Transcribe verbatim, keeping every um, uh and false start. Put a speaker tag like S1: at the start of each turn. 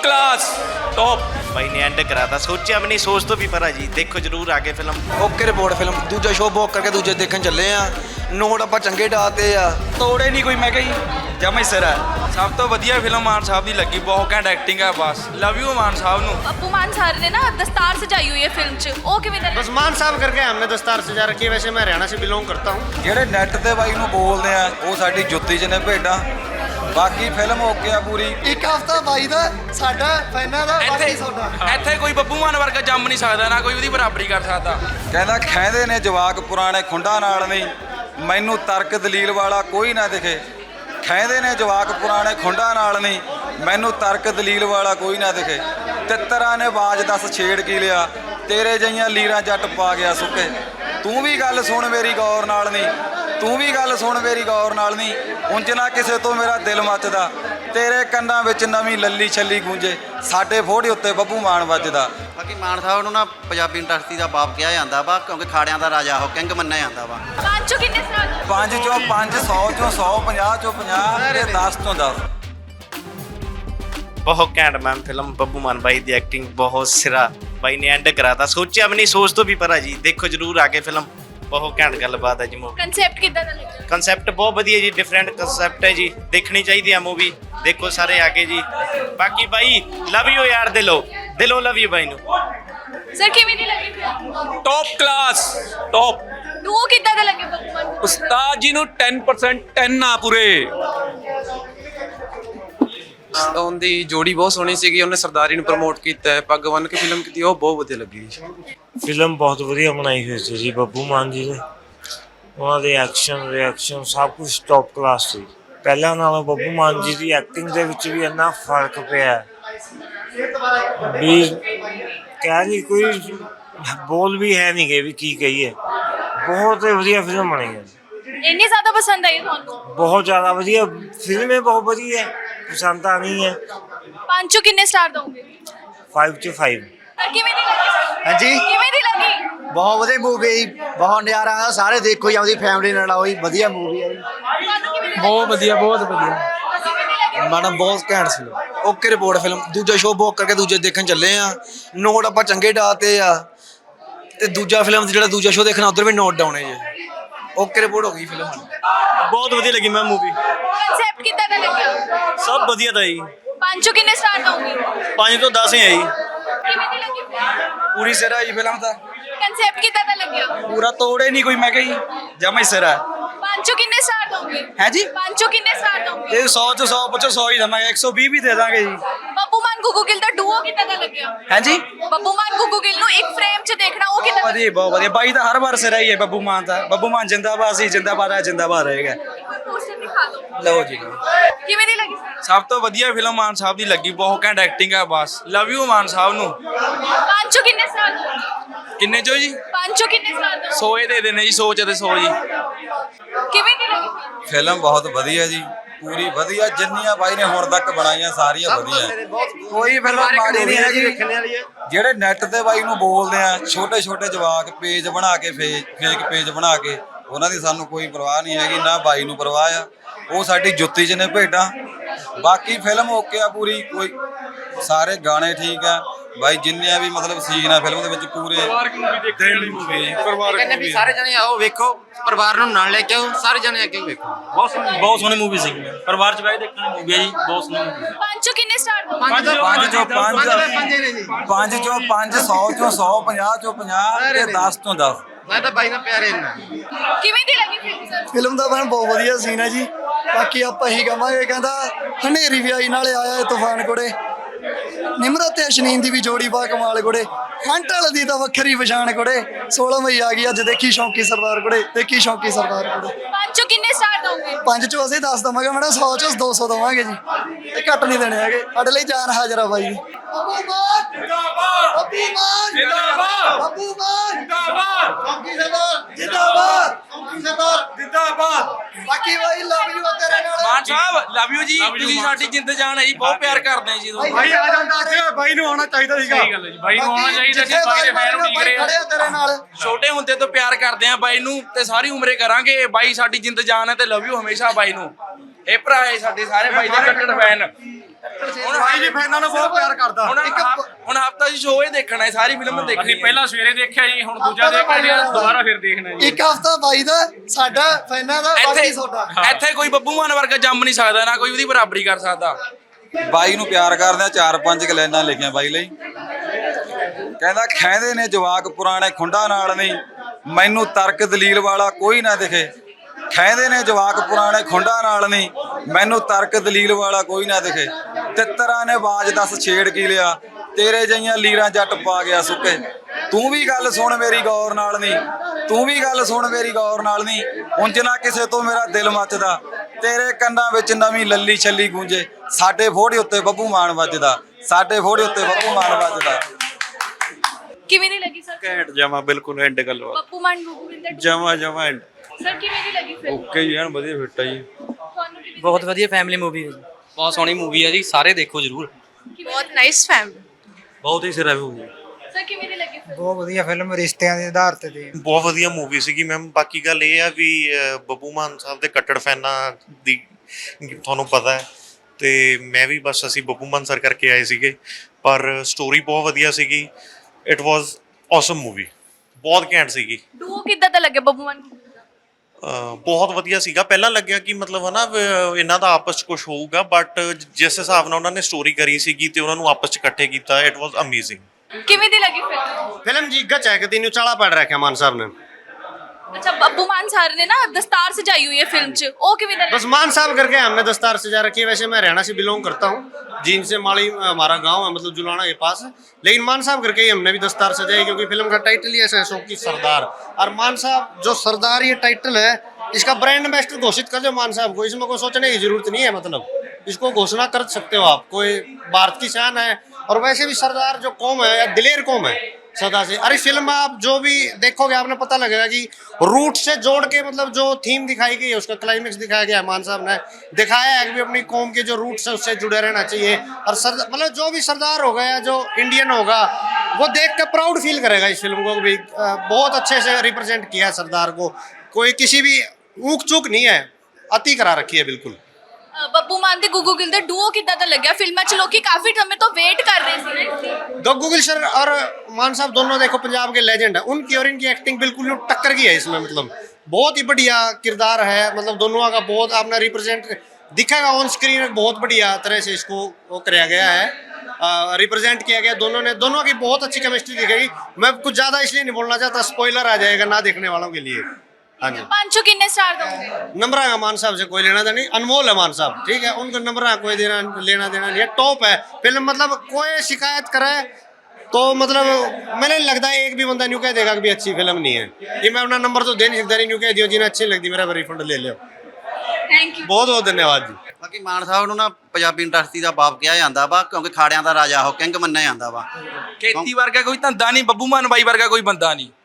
S1: Class top
S2: भाई ने and कराता सोचा भी नहीं सोच तो भी परा जी देखो जरूर आगे फिल्म
S3: ਓਕੇ ਰਿਪੋਰਟ ਫਿਲਮ ਦੂਜਾ ਸ਼ੋਅ ਬੁੱਕ ਕਰਕੇ ਦੂਜੇ ਦੇਖਣ ਚੱਲੇ ਆ ਨੋਟ ਆਪਾਂ ਚੰਗੇ ਡਾਤੇ ਆ
S1: ਤੋੜੇ ਨਹੀਂ ਕੋਈ ਮੈਂ ਕਹੀ ਜਮਾ ਹੀ ਸਿਰ ਹੈ ਸਭ ਤੋਂ ਵਧੀਆ ਫਿਲਮ ਮਾਨ ਸਾਹਿਬ ਦੀ ਲੱਗੀ ਬਹੁਤ ਘੈਂਟ ਐਕਟਿੰਗ ਹੈ ਬਸ ਲਵ ਯੂ ਮਾਨ ਸਾਹਿਬ ਨੂੰ
S4: अपू मान सर ने ना दस्तार सजाई हुई है फिल्म च ओ किवें दा
S2: बस मान साहब करके हमने दस्तार सजा रखी है वैसे मैं हरियाणा से बिलोंग करता हूँ
S3: ਜਿਹੜੇ ਨੈਟ ਤੇ ਬਾਈ ਨੂੰ ਬੋਲਦੇ ਆ ਉਹ ਸਾਡੀ ਜੁੱਤੀ 'ਚ ਨੇ ਭੇਡਾਂ ਬਾਕੀ ਫਿਲਮ ਓਕੇ ਆ ਪੂਰੀ
S5: ਇੱਕ ਹਫਤਾ ਬਾਈ ਦਾ ਸਾਡਾ ਫੈਨਾਂ ਦਾ
S1: ਇੱਥੇ
S5: ਬਾਕੀ ਤੁਹਾਡਾ
S1: ਇੱਥੇ ਕੋਈ ਬੱਬੂ ਮਾਨ ਵਰਗਾ ਜੰਮ ਨਹੀਂ ਸਕਦਾ ਨਾ ਕੋਈ ਉਹਦੀ ਬਰਾਬਰੀ ਕਰ ਸਕਦਾ
S3: ਕਹਿੰਦਾ ਖੈਂਦੇ ਨੇ ਜਵਾਕ ਪੁਰਾਣੇ ਖੁੰਡਾਂ ਨਾਲ ਨਹੀਂ ਮੈਨੂੰ ਤਰਕ ਦਲੀਲ ਵਾਲਾ ਕੋਈ ਨਾ ਦਿਖੇ ਖੈਂਦੇ ਨੇ ਜਵਾਕ ਪੁਰਾਣੇ ਖੁੰਡਾਂ ਨਾਲ ਨਹੀਂ ਮੈਨੂੰ ਤਰਕ ਦਲੀਲ ਵਾਲਾ ਕੋਈ ਨਾ ਦਿਖੇ ਤਿੱਤਰਾਂ ਨੇ ਬਾਜ ਦੱਸ ਛੇੜ ਕੀ ਲਿਆ ਤੇਰੇ ਜਈਆਂ ਲੀਰਾਂ ਜੱਟ ਪਾ ਗਿਆ ਸੁੱਕੇ ਤੂੰ ਵੀ ਗੱਲ ਸੁਣ ਮੇਰੀ ਗੌਰ ਨਾਲ ਨਹੀਂ ਤੂੰ ਵੀ ਗੱਲ ਸੁਣ ਮੇਰੀ ਗੌਰ ਨਾਲ ਨਹੀਂ ਉਂਝ ਨਾ ਕਿਸੇ ਤੋਂ ਮੇਰਾ ਦਿਲ ਮੱਚਦਾ ਤੇਰੇ ਕੰਨਾਂ ਵਿੱਚ ਨਵੀਂ ਲੱਲੀ ਛੱਲੀ ਗੂੰਜੇ ਸਾਡੇ ਫੋੜੇ ਉੱਤੇ ਬੱਬੂ ਮਾਨ ਵੱਜਦਾ
S6: ਬਾਕੀ ਮਾਨ ਸਾਹਿਬ ਨੂੰ ਨਾ ਪੰਜਾਬੀ ਇੰਡਸਟਰੀ ਦਾ ਬਾਪ ਕਿਹਾ ਜਾਂਦਾ ਵਾ ਕਿਉਂਕਿ ਖਾੜਿਆਂ ਦਾ ਰਾਜਾ ਉਹ ਕਿੰਗ ਮੰਨਿਆ ਜਾਂਦਾ ਵਾ
S4: पांचों किन्ने साल
S3: ਪੰਜ ਚੋਂ ਪੰਜ ਸੌ ਚੋਂ ਸੌ ਪੰਜਾਹ ਚੋਂ ਪੰਜਾਹ ਤੇ ਦਸ ਚੋਂ ਦਸ
S2: बहुत कैंट मैम फिल्म बब्बू मान भाई की एक्टिंग बहुत सिरा भाई ने एंड कराता सोचा भी नहीं सोच तो भी परा जी देखो जरूर आगे फिल्म बहुत घैंट गलबात है जी मूवी
S4: कंसेप्ट कितना दा लगा
S2: कंसेप्ट बहुत बढ़िया जी डिफरेंट कंसेप्ट है जी देखनी चाहिए मूवी देखो सारे आगे जी बाकी भाई लव यू यार दिलो दिलो लव यू भाई नु
S4: सर किवें दी लगी film
S1: top class top
S4: two कितना दा लगे बब्बू मान
S1: ਉਸਤਾਦ ਜੀ ਨੂੰ ten percent ten ਆ ਪੂਰੇ
S7: ਉਹਦੀ ਜੋੜੀ ਬਹੁਤ ਸੋਹਣੀ ਸੀਗੀ ਉਹਨੇ ਸਰਦਾਰੀ ਨੂੰ ਪ੍ਰਮੋਟ ਕੀਤਾ ਹੈ ਪੱਗ ਬੰਨ੍ਹ ਕੇ ਫਿਲਮ ਕੀਤੀ ਉਹ ਬਹੁਤ ਵਧੀਆ ਲੱਗੀ
S8: ਫਿਲਮ ਬਹੁਤ ਵਧੀਆ ਬਣਾਈ ਹੋਈ ਸੀ ਜੀ ਬੱਬੂ ਮਾਨ ਜੀ ਨੇ ਉਹਨਾਂ ਦੇ ਐਕਸ਼ਨ ਰਿਐਕਸ਼ਨ ਸਭ ਕੁਝ ਟੌਪ ਕਲਾਸ ਸੀ ਪਹਿਲਾਂ ਨਾਲੋਂ ਬੱਬੂ ਮਾਨ ਜੀ ਦੀ ਐਕਟਿੰਗ ਦੇ ਵਿੱਚ ਵੀ ਇੰਨਾ ਫਰਕ ਪਿਆ ਹੈ ਵੀ ਕਹਿ ਨਹੀਂ ਕੋਈ ਬੋਲ ਵੀ ਹੈ ਨਹੀਂ ਗਏ ਵੀ ਕੀ ਕਹੀਏ ਬਹੁਤ ਵਧੀਆ ਫਿਲਮ ਬਣੀ ਹੈ
S4: इतनी ज्यादा पसंद आई थानू
S8: ਬਹੁਤ ਜ਼ਿਆਦਾ ਵਧੀਆ ਫਿਲਮ ਹੈ ਬਹੁਤ ਵਧੀਆ ਪਸੰਦ ਆਣੀ ਹੈ
S4: पांचों किन्ने स्टार दोगे
S8: five to five
S4: सर किवें दी लगी
S5: ਹਾਂਜੀ
S4: किवें दी लगी
S5: ਬਹੁਤ ਵਧੀਆ ਮੂਵੀ ਬਹੁਤ ਨਜ਼ਾਰਾ ਆ ਸਾਰੇ ਦੇਖੋ ਜੀ ਆਪਦੀ ਫੈਮਿਲੀ ਨਾਲ ਆਓ ਜੀ ਵਧੀਆ ਮੂਵੀ ਆ ਜੀ
S4: थानू किवें दी
S3: ਬਹੁਤ ਵਧੀਆ ਬਹੁਤ ਵਧੀਆ
S4: किवें दी लगी
S3: ਮੈਡਮ ਬਹੁਤ ਘੈਂਟ ਸੀ ਓਕੇ ਰਿਪੋਰਟ ਫਿਲਮ ਦੂਜਾ ਸ਼ੋਅ ਬੁੱਕ ਕਰਕੇ ਦੂਜੇ ਦੇਖਣ ਚੱਲੇ ਆ ਨੋਟ ਆਪਾਂ ਚੰਗੇ ਡਾਤੇ ਆ ਤੇ ਦੂਜਾ ਫਿਲਮ ਜਿਹੜਾ ਦੂਜਾ ਸ਼ੋਅ ਦੇਖਣਾ ਉਧਰ ਵੀ ਨੋਟ ਡਾਉਣੇ ਜੀ ਓਕੇ ਰਿਪੋਰਟ ਹੋ ਗਈ ਫਿਲਮ
S2: बहुत बढ़िया लगी मैम मूवी
S4: कंसेप्ट कितना दा लगा
S2: सब बढ़िया था जी
S4: पांचों किन्ने स्टार दोगे
S2: पाँच तो दस ही है जी
S4: किवें दी लगी
S3: ਪੂਰੀ ਸਿਰਾ ਹੀ ਫਿਲਮ ਦਾ
S4: कंसेप्ट कितना दा लगा
S1: ਪੂਰਾ ਤੋੜੇ ਨਹੀਂ ਕੋਈ ਮੈਂ ਕਹੀ ਜਮਾ ਹੀ ਸਿਰ ਹੈ
S4: पांचों किन्ने स्टार दोगे
S1: ਹੈ ਜੀ
S4: पांचों किन्ने स्टार दोगे
S1: ਇਹ ਸੌ ਚ ਸੌ ਪੁੱਛੋ ਸੌ ਹੀ ਦਵਾਂਗੇ ਇੱਕ ਸੌ ਵੀਹ ਵੀ ਦੇ ਦਾਂਗੇ ਜੀ
S4: ਬੱਬੂ ਮਾਨ ਗੁੱਗੂ ਗਿੱਲ ਦਾ ਡੂਓ ਕਿੱਦਾਂ ਦਾ ਲੱਗਿਆ
S1: ਹੈ ਜੀ
S4: ਬੱਬੂ ਮਾਨ ਗੁੱਗੂ ਗਿੱਲ ਨੂੰ ਇੱਕ ਫਰੇਮ 'ਚ ਦੇਖਣਾ ਉਹ ਕਿੱਦਾਂ ਦਾ
S1: ਵਧੀਆ ਬਹੁਤ ਵਧੀਆ ਬਾਈ ਤਾਂ ਹਰ ਵਾਰ ਸਿਰ ਹੀ ਹੈ ਬੱਬੂ ਮਾਨ ਦਾ ਬੱਬੂ ਮਾਨ ਜਿੰਦਾਬਾਦ ਸੀ ਜਿੰਦਾਬਾਦ ਹੈ ਜਿੰਦਾਬਾਦ ਰਹੇਗਾ
S4: ਪੋਸਟਰ ਦਿਖਾ ਦਿਓ
S1: ਲਓ ਜੀ
S4: ਕਿਵੇਂ ਦੀ ਲੱਗੀ
S1: ਸਭ ਤੋਂ ਵਧੀਆ ਫਿਲਮ ਮਾਨ ਸਾਹਿਬ ਦੀ ਲੱਗੀ ਬਹੁਤ ਘੈਂਟ ਐਕਟਿੰਗ ਹੈ ਬਸ ਲਵ ਯੂ ਮਾਨ ਸਾਹਿਬ ਨੂੰ
S4: ਪੰਜੋ ਕਿੰਨੇ ਸਾਲ ਦੋ
S1: ਕਿੰਨੇ ਚੋ ਜੀ
S4: ਪੰਜੋ ਕਿੰਨੇ ਸਾਲ ਦੋ
S1: ਸੌ ਇਹ ਦੇ ਦੇਣੇ ਜੀ ਸੌ ਚ ਤੇ ਸੌ ਜੀ
S4: ਕਿਵੇਂ ਦੀ ਲੱਗੀ
S3: ਫਿਲਮ ਬਹੁਤ ਵਧੀਆ ਜੀ ਪੂਰੀ ਵਧੀਆ ਜਿੰਨੀਆਂ ਬਾਈ ਨੇ ਹੁਣ ਤੱਕ ਬਣਾਈਆਂ ਸਾਰੀਆਂ ਵਧੀਆ ਕੋਈ ਫਿਲਮ ਮਾੜੀ ਨਹੀਂ ਹੈਗੀ ਜਿਹੜੇ ਨੈਟ ਤੇ ਬਾਈ ਨੂੰ ਬੋਲਦੇ ਆ ਛੋਟੇ ਛੋਟੇ ਜਵਾਕ ਪੇਜ ਬਣਾ ਕੇ ਫੇਕ ਪੇਜ ਬਣਾ ਕੇ ਉਹਨਾਂ ਦੀ ਸਾਨੂੰ ਕੋਈ ਪਰਵਾਹ ਨਹੀਂ ਹੈਗੀ ਨਾ ਬਾਈ ਨੂੰ ਪਰਵਾਹ ਆ ਉਹ ਸਾਡੀ ਜੁੱਤੀ 'ਚ ਨੇ ਭੇਡਾਂ ਬਾਕੀ ਫਿਲਮ ਓਕੇ ਆ ਪੂਰੀ ਕੋਈ ਸਾਰੇ ਗਾਣੇ ਠੀਕ ਆ ਬਾਈ ਜਿੰਨੇ ਵੀ ਮਤਲਬ ਸੀਨ ਆ ਫਿਲਮ ਦੇ ਵਿੱਚ ਪੂਰੇ ਪਰਿਵਾਰਕ ਮੂਵੀ ਦੇਖਣ ਲਈ ਮੂਵੀ ਹੈ ਪਰਿਵਾਰਕ
S7: ਕਹਿੰਦੇ ਵੀ ਸਾਰੇ ਜਣੇ ਆਓ ਵੇਖੋ ਪਰਿਵਾਰ ਨੂੰ ਨਾਲ ਲੈ ਕੇ ਆਓ ਸਾਰੇ ਜਣੇ ਅੱਗੇ ਵੇਖੋ
S2: ਬਹੁਤ ਸੋਹਣੀ ਬਹੁਤ ਸੋਹਣੀ ਮੂਵੀ ਸੀ ਪਰਿਵਾਰ ਚ ਬਹਿ ਕੇ ਦੇਖਣ ਦੀ ਮੂਵੀ ਹੈ ਜੀ ਬਹੁਤ ਸੋਹਣੀ ਮੂਵੀ
S4: ਪੰਜੋ ਕਿੰਨੇ ਸਟਾਰ ਦੋ
S3: ਪੰਜ ਚੋਂ ਪੰਜ ਪੰਜ ਚੋਂ ਪੰਜ ਸੌ ਚੋਂ ਸੌ ਪੰਜਾਹ ਚੋਂ ਪੰਜਾਹ ਤੇ ਦਸ ਚੋਂ ਦਸ
S7: ਮੈਂ ਤਾਂ ਬਾਈ ਨਾਲ ਪਿਆਰੇ ਨਾ
S4: ਕਿਵੇਂ ਦੀ ਲੱਗੀ ਫਿਲਮ ਸਰ
S5: ਫਿਲਮ ਦਾ ਬਣ ਬਹੁਤ ਵਧੀਆ ਸੀਨ ਹੈ ਜੀ ਬਾਕੀ ਆਪਾਂ ਇਹੀ ਕਹਾਂਗੇ ਕਹਿੰਦਾ ਹਨੇਰੀ ਵੀ ਆਈ ਨਾਲੇ ਆਇਆ ਇਹ ਤੂਫਾਨ ਕੋੜੇ ਨਿਮਰਤ ਤੇ ਅਸ਼ਨੀਨ ਦੀ ਵੀ ਜੋੜੀ ਬਾ ਕਮਾਲ ਕੋੜੇ ਖੰਟ ਵਾਲੇ ਦੀ ਤਾਂ ਵੱਖਰੀ ਪਛਾਣ ਕੋੜੇ ਸੋਲਾਂ ਮਈ ਆ ਗਈ ਅੱਜ ਦੇਖੀ ਸ਼ੌਂਕੀ ਸਰਦਾਰ ਕੋੜੇ ਦੇਖੀ ਸ਼ੌਂਕੀ ਸਰਦਾਰ ਕੋੜੇ
S4: ਪੰਜੋ ਕਿੰਨੇ ਸਟਾਰ ਦੋਗੇ
S5: ਪੰਜ ਚੋਂ ਅਸੀਂ ਦਸ ਦਵਾਂਗੇ ਮੈਡਮ ਸੌ ਚੋਂ ਦੋ ਸੌ ਦਵਾਂਗੇ ਜੀ ਇਹ ਘੱਟ ਨਹੀਂ ਦੇਣੇ ਹੈਗੇ ਸਾਡੇ ਲਈ ਜਾਨ ਹਾਜ਼ਰ ਆ ਬਾਈ ਜੀ ਬੱਬੂ ਮਾਨ ਜਿੰਦਾਬਾਦ ਬੱਬੂ ਮਾਨ ਜਿੰਦਾਬਾਦ ਬੱਬੂ ਮਾਨ ਜਿੰਦਾਬਾਦ ਸ਼ੌਂਕੀ ਸਰਦਾਰ ਜਿੰਦਾਬਾਦ ਸ਼ੌਂਕੀ ਸਰਦਾਰ ਜਿੰਦਾਬਾਦ ਬਾਕੀ ਬਾਈ ਲਵ ਯੂ ਤੇਰੇ ਨਾਲ
S1: ਮਾਨ ਸਾਹਿਬ ਲਵ ਯੂ ਜੀ ਤੁਸੀਂ ਸਾਡੀ ਜਿੰਦ ਜਾਨ ਹੈ ਜੀ ਬਹੁਤ ਪਿਆਰ ਕਰਦੇ ਆ ਜੀ ਤੁਹਾਨੂੰ
S5: ਭਾਈ ਆ ਜਾਂਦਾ ਅੱਜ ਬਾਈ ਨੂੰ ਆਉਣਾ ਚਾਹੀਦਾ ਸੀਗਾ
S1: ਸਹੀ ਗੱਲ ਹੈ ਜੀ ਬਾਈ ਨੂੰ ਆਉਣਾ ਚਾਹੀਦਾ ਸੀ ਬਾਈ ਦੇ ਫੈਨ ਉਡੀਕ ਰਹੇ
S5: ਖੜੇ ਆ ਤੇਰੇ ਨਾਲ
S1: ਛੋਟੇ ਹੁੰਦੇ ਤੋਂ ਪਿਆਰ ਕਰਦੇ ਆ ਬਾਈ ਨੂੰ ਤੇ ਸਾਰੀ ਉਮਰੇ ਕਰਾਂਗੇ ਬਾਈ ਸਾਡੀ ਜਿੰਦ ਜਾਨ ਹੈ ਤੇ ਲਵ ਯੂ ਹਮੇਸ਼ਾ ਬਾਈ ਨੂੰ ਇਹ ਭਰਾ ਹੈ ਸਾਡੇ ਸਾਰੇ ਬਾਈ ਦੇ ਕੱਟੜ ਫੈਨ ਹੁਣ ਭਾਈ ਵੀ ਫੈਨਾਂ ਨੂੰ ਬਹੁਤ ਪਿਆਰ ਕਰਦਾ ਹੁਣ ਹੁਣ ਹਫਤਾ ਜੀ ਸ਼ੋਅ ਹੀ ਦੇਖਣਾ ਹੈ, ਸਾਰੀ ਫਿਲਮ ਦੇਖਣੀ
S9: ਅਸੀਂ ਪਹਿਲਾਂ ਸਵੇਰੇ ਦੇਖਿਆ ਜੀ, ਹੁਣ ਦੂਜਾ ਦੇਖ ਕੇ ਦੁਬਾਰਾ ਫਿਰ ਦੇਖਣਾ ਜੀ।
S5: ਇੱਕ ਹਫਤਾ ਬਾਈ ਦਾ, ਸਾਡਾ ਫੈਨਾਂ ਦਾ, ਬਾਕੀ ਤੁਹਾਡਾ।
S1: ਇੱਥੇ ਕੋਈ ਬੱਬੂ ਮਾਨ ਵਰਗਾ ਜੰਮ ਨਹੀਂ ਸਕਦਾ, ਨਾ ਕੋਈ ਉਹਦੀ ਬਰਾਬਰੀ ਕਰ ਸਕਦਾ।
S3: ਬਾਈ ਨੂੰ ਪਿਆਰ ਕਰਦੇ ਆ, ਚਾਰ ਪੰਜ ਕਲੈਨਾਂ ਲਿਖੀਆਂ ਬਾਈ ਲਈ। ਕਹਿੰਦਾ ਖੈਂਦੇ ਨੇ ਜਵਾਕ ਪੁਰਾਣੇ ਖੁੰਡਾ ਨਾਲ ਨਹੀਂ, ਮੈਨੂੰ ਤਰਕ ਦਲੀਲ ਵਾਲਾ ਕੋਈ ਨਾ ਦਿਖੇ। ਖੈਂਦੇ ਨੇ ਜਵਾਕ ਪੁਰਾਣੇ ਖੁੰਡਾ ਨਾਲ ਨਹੀਂ, ਮੈਨੂੰ ਤਰਕ ਦਲੀਲ ਵਾਲਾ ਕੋਈ ਨਾ ਦਿਖੇ। ਤਿੱਤਰਾਂ ਨੇ ਬਾਜ ਦੱਸ ਛੇੜ ਕੀ ਲਿਆ, ਤੇਰੇ ਜਈਆਂ ਲੀਰਾਂ ਜੱਟ ਪਾ ਗਿਆ ਸੁੱਕੇ। ਤੂੰ ਵੀ ਗੱਲ ਸੁਣ ਮੇਰੀ ਗੌਰ ਨਾਲ ਨਹੀਂ, ਤੂੰ ਵੀ ਗੱਲ ਸੁਣ ਮੇਰੀ ਗੌਰ ਨਾਲ ਨਹੀਂ, ਉਂਝ ਨਾ ਕਿਸੇ ਤੋਂ ਮੇਰਾ ਦਿਲ ਮੱਚਦਾ। ਤੇਰੇ ਕੰਨਾਂ ਵਿੱਚ ਨਵੀਂ ਲੱਲੀ ਛੱਲੀ ਗੂੰਜੇ, ਸਾਡੇ ਫੋੜੇ ਉੱਤੇ ਬੱਬੂ ਮਾਨ ਵੱਜਦਾ, ਸਾਡੇ ਫੋੜੇ ਉੱਤੇ ਬੱਬੂ ਮਾਨ ਵੱਜਦਾ।
S4: ਕਿਵੇਂ ਦੀ ਲੱਗੀ ਸਰ?
S2: ਘੈਂਟ ਜਮਾ ਬਿਲਕੁਲ ਐਂਡ ਗੱਲਬਾਤ
S4: ਬੱਬੂ ਮਾਨ ਗੁੱਗੂ ਗਿੱਲ ਦਾ
S2: ਜਮਾ ਜਮਾ ਐਂਡ
S4: ਸਰ ਕਿਵੇਂ ਦੀ ਲੱਗੀ ਫਿਲਮ?
S1: ਓਕੇ ਜੀ, ਐਨ ਵਧੀਆ ਫਿੱਟ ਆ ਜੀ।
S4: ਤੁਹਾਨੂੰ ਕਿਵੇਂ ਦੀ
S10: ਬਹੁਤ ਵਧੀਆ ਫੈਮਿਲੀ ਮੂਵੀ ਹੈ ਜੀ, ਬਹੁਤ ਸੋਹਣੀ ਮੂਵੀ ਹੈ ਜੀ, ਸਾਰੇ ਦੇਖੋ ਜਰੂਰ।
S4: ਲੱਗੀ? ਬਹੁਤ ਨਾਈਸ ਫੈਮਿਲੀ।
S10: ਬਹੁਤ ਹੀ ਸਿਰਾ ਮੂਵੀ।
S4: ਸਰ ਕਿਵੇਂ ਦੀ ਲੱਗੀ ਫਿਲਮ?
S5: ਬਹੁਤ ਵਧੀਆ ਫਿਲਮ, ਰਿਸ਼ਤਿਆਂ ਦੇ ਆਧਾਰ ਤੇ ਦੀ।
S11: ਬਹੁਤ ਵਧੀਆ ਮੂਵੀ ਸੀਗੀ ਮੈਮ। ਬਾਕੀ ਗੱਲ ਇਹ ਆ ਵੀ ਅਹ, ਬੱਬੂ ਮਾਨ ਸਾਹਿਬ ਦੇ ਕੱਟੜ ਫੈਨਾਂ ਦੀ ਤੁਹਾਨੂੰ ਪਤਾ ਹੈ, ਤੇ ਮੈਂ ਵੀ ਬਸ ਅਸੀਂ ਬੱਬੂ ਮਾਨ ਸਰ ਕਰਕੇ ਆਏ ਸੀਗੇ, ਪਰ ਸਟੋਰੀ ਬਹੁਤ ਵਧੀਆ ਸੀਗੀ। ਇਟ ਵਾਜ਼ ਔਸਮ ਮੂਵੀ, ਬਹੁਤ ਘੈਂਟ ਸੀਗੀ।
S4: ਡੂਓ ਕਿੱਦਾਂ ਦਾ ਲੱਗਿਆ ਬੱਬੂ ਮਾਨ ਗੁੱਗੂ ਦਾ?
S11: ਅਹ, ਬਹੁਤ ਵਧੀਆ ਸੀਗਾ। ਪਹਿਲਾਂ ਲੱਗਿਆ ਕਿ ਮਤਲਬ ਹਨਾ ਵੀ ਇਹਨਾਂ ਦਾ ਆਪਸ 'ਚ ਕੁਝ ਹੋਊਗਾ, ਬਟ ਜਿਸ ਹਿਸਾਬ ਨਾਲ ਉਹਨਾਂ ਨੇ ਸਟੋਰੀ ਕਰੀ ਸੀਗੀ ਤੇ ਉਹਨਾਂ ਨੂੰ ਆਪਸ 'ਚ ਇਕੱਠੇ ਕੀਤਾ, ਇਟ ਵਾਜ਼ ਅਮੇਜ਼ਿੰਗ।
S4: ਕਿਵੇਂ ਦੀ ਲੱਗੀ ਫਿਲਮ?
S2: ਫਿਲਮ ਜੀ ਗੱਚ ਹੈ ਕਿ ਤੈਨੂੰ ਚਾਲਾ ਪੜ ਰੱਖਿਆ ਮਾਨ ਸਾਹਿਬ ਨੇ।
S4: अच्छा बब्बू मान सर ने ना दस्तार सजाई हुई है फिल्म च, ओ किवें दा?
S2: बस मान साहब करके हमने दस्तार सजा रखी है। वैसे मैं हरियाणा से बिलोंग करता हूँ, जींद से माली हमारा गांव है, मतलब जुलाना के पास, लेकिन मान साहब करके ही हमने भी दस्तार सजाई, क्योंकि फिल्म का टाइटल ही ऐसा है, शौकी सरदार। और मान साहब जो सरदार ये टाइटल है, इसका ब्रांड एम्बेसडर घोषित कर दो मान साहब को, इसमें कोई सोचने की जरूरत नहीं है। मतलब इसको घोषणा कर सकते हो आप, कोई भारत की शान है। और वैसे भी सरदार जो कौम है या दिलेर कौम है सदा से। अरे फिल्म में आप जो भी देखोगे आपने पता लगेगा कि रूट से जोड़ के मतलब जो थीम दिखाई गई है, उसका क्लाइमेक्स दिखाया गया है। मान साहब ने दिखाया है कि अपनी कौम के जो रूट्स है उससे जुड़े रहना चाहिए। और सर मतलब जो भी सरदार होगा या जो इंडियन होगा वो देख कर प्राउड फील करेगा इस फिल्म को भी। बहुत अच्छे से रिप्रेजेंट किया है सरदार को, कोई किसी भी ऊक चूक नहीं है, अति करा रखी है बिल्कुल।
S4: ਬੱਬੂ ਮਾਨ ਤੇ ਗੁੱਗੂ ਗਿੱਲ ਦਾ ਡੂਓ ਕਿੱਦਾਂ ਦਾ ਲੱਗਿਆ? ਫਿਲਮਾਂ 'ਚ ਲੋਕੀ ਕਾਫੀ ਸਮੇਂ ਤੋਂ ਵੇਟ ਕਰ ਰਹੇ ਸੀ ਨਾ इसकी।
S2: गग्गू गिल सर और मान साहब दोनों देखो पंजाब के लेजेंड है, उनकी और इनकी एक्टिंग बिल्कुल टक्कर की है इसमें। मतलब बहुत ही बढ़िया किरदार है, मतलब दोनों का बहुत आपने रिप्रेजेंट दिखेगा ऑन स्क्रीन, बहुत बढ़िया तरह से इसको वो कराया गया है, रिप्रेजेंट किया गया। दोनों ने दोनों की बहुत अच्छी केमिस्ट्री दिखेगी। मैं कुछ ज़्यादा इसलिए नहीं बोलना चाहता, स्पॉइलर आ जाएगा ना देखने वालों के लिए। हाँ जी,
S4: पांचों कितने स्टार दोगे?
S2: नंबर का मान साहब से कोई लेना देना नहीं, अनमोल है मान साहब, ठीक है, उनको नंबर का कोई देना लेना देना नहीं है। टॉप है फिल्म, मतलब कोई शिकायत करे तो मतलब मैंने नहीं लगता एक भी बंदा न्यू कह देगा कि भी अच्छी फिल्म नहीं है। ये मैं अपना नंबर तो दे नहीं सकता, न्यू कह दियो जिन्हें अच्छी लगती मेरा रिफंड ले लियो।
S4: थैंक यू,
S2: बहुत बहुत धन्यवाद जी।
S6: ਬਾਕੀ ਮਾਨ ਸਾਹਿਬ ਨੂੰ ਨਾ ਪੰਜਾਬੀ ਇੰਡਸਟਰੀ ਦਾ ਬਾਪ ਕਿਹਾ ਜਾਂਦਾ ਵਾ, ਕਿਉਂਕਿ ਖਾੜਿਆਂ ਦਾ ਰਾਜਾ ਉਹ ਕਿੰਗ ਮੰਨਿਆ ਜਾਂਦਾ ਵਾ।
S1: ਖੇਤੀ ਵਰਗਾ ਕੋਈ ਧੰਦਾ ਨਹੀਂ, ਬੱਬੂ ਮਾਨ ਬਾਈ ਵਰਗਾ ਕੋਈ ਬੰਦਾ ਨਹੀਂ।